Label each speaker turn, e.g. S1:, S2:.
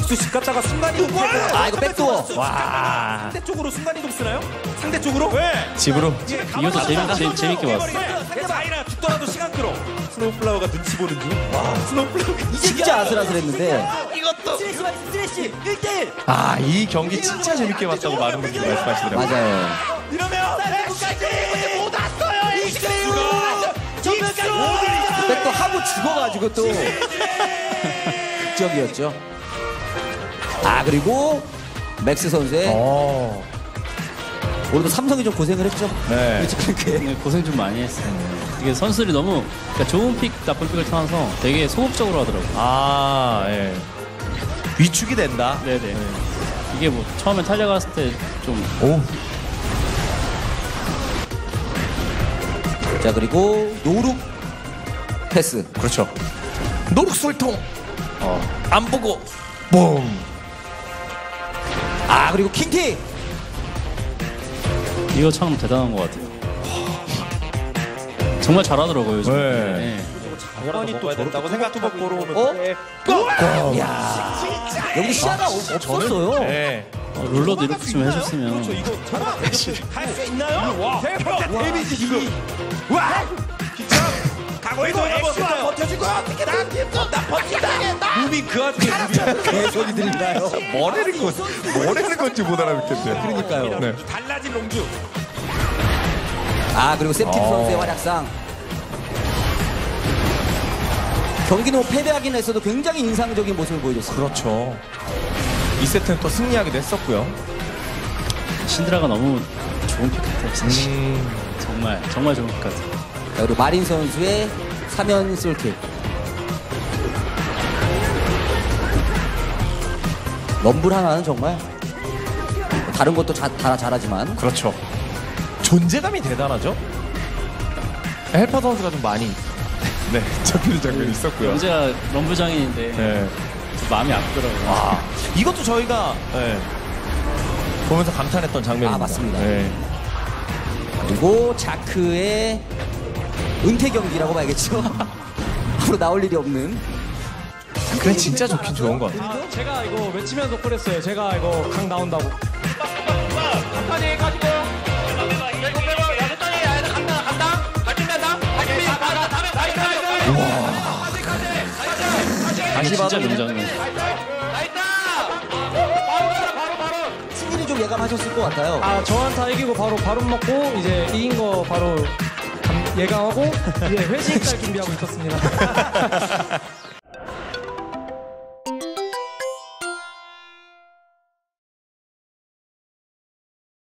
S1: 복수식 갔다가 순간이동.
S2: 아, 이거 백도어.
S1: 와. 상대 쪽으로 순간이동 쓰나요? 상대 쪽으로? 왜?
S3: 집으로.
S4: 이것도 재밌게 봤어.
S1: 상대가 아이라 죽더라도 시간 끌어. 스노우플라워가 눈치 보는 중. 와, 스노우플라워가
S2: 진짜 아슬아슬했는데.
S1: 이것도.
S2: 스트레시 1대1.
S3: 아, 이 경기 진짜 재밌게 봤다고 많은 분들이 말씀하시더라고요.
S2: 맞아요.
S1: 이러면 백까지 못 왔어요. 익스까지.
S2: 백도 하고 죽어가지고 또 극적이었죠. 아, 그리고 맥스 선수의 오늘도 삼성이 좀 고생을 했죠.
S3: 네.
S4: 네, 고생 좀 많이 했어요. 이게 선수들이 너무 그러니까 좋은 픽, 나쁜 픽을 타면서 되게 소극적으로 하더라고요.
S3: 아, 예. 위축이 된다.
S4: 네네. 이게 뭐 처음에 탈려갔을 때 좀
S3: 오.
S2: 자, 그리고 노룩 패스.
S3: 그렇죠. 노룩술통. 안 보고. 嘣.
S2: 아, 그리고 킹티.
S4: 이거 참 대단한 것 같아요. 정말 잘하더라고요, 요즘.
S3: 네.
S4: 네.
S1: 장관이 또 저렇다고 생각도 먹고 오는.
S2: 어? 야, 여기 시야가 없었어요.
S3: 네.
S4: 롤러도 이렇게 좀 해줬으면.
S1: 이거 할수 있나요? 와, 데미지 지금. 와, 기차. 강호이도 엑스가 버텨주고 어떻게 나 버틴다. 무빙 그 와중에
S2: 개소리 들리나요?
S3: 뭐라는 건지 못 알아듣겠어요.
S2: 그러니까요.
S3: 네.
S1: 달라진 롱주.
S2: 아, 그리고 세프티 선수의 활약상. 경기는 패배하긴 했어도 굉장히 인상적인 모습을 보여줬어요.
S3: 그렇죠. 이 세트는 또 승리하기도 했었고요.
S4: 신드라가 너무 좋은 픽 같아요, 진짜. 정말 좋은 픽 같아요.
S2: 자, 그리고 마린 선수의 3연 솔킥. 럼블 하나는 정말 다른 것도 다 잘하지만
S3: 그렇죠. 존재감이 대단하죠. 헬퍼 선수가 좀 많이 잡히는 장면이 있었고요.
S4: 언제가 럼블장인인데
S3: 네.
S4: 마음이 아프더라고요.
S3: 와, 이것도 저희가 보면서 감탄했던 장면입니다.
S2: 아, 맞습니다.
S3: 네.
S2: 그리고 자크의 은퇴 경기라고 봐야겠죠. 앞으로 나올 일이 없는.
S3: 그래 진짜 좋긴 좋은 것 같아요.
S5: 아, 제가 이거 외치면서 그랬어요. 제가 이거 강 나온다고.
S6: 한판에 가지고 일곱 빼고 여섯 단이 간다 발진된다 발진이
S3: 다시
S4: 진짜
S3: 봐도
S4: 명장면.
S6: 나있다 바로
S2: 승리를 좀 예감하셨을 것 같아요.
S5: 아, 저한테 이기고 바로 먹고 이제 이긴 거 바로 예감하고 이제 회식 갈 준비하고 있었습니다.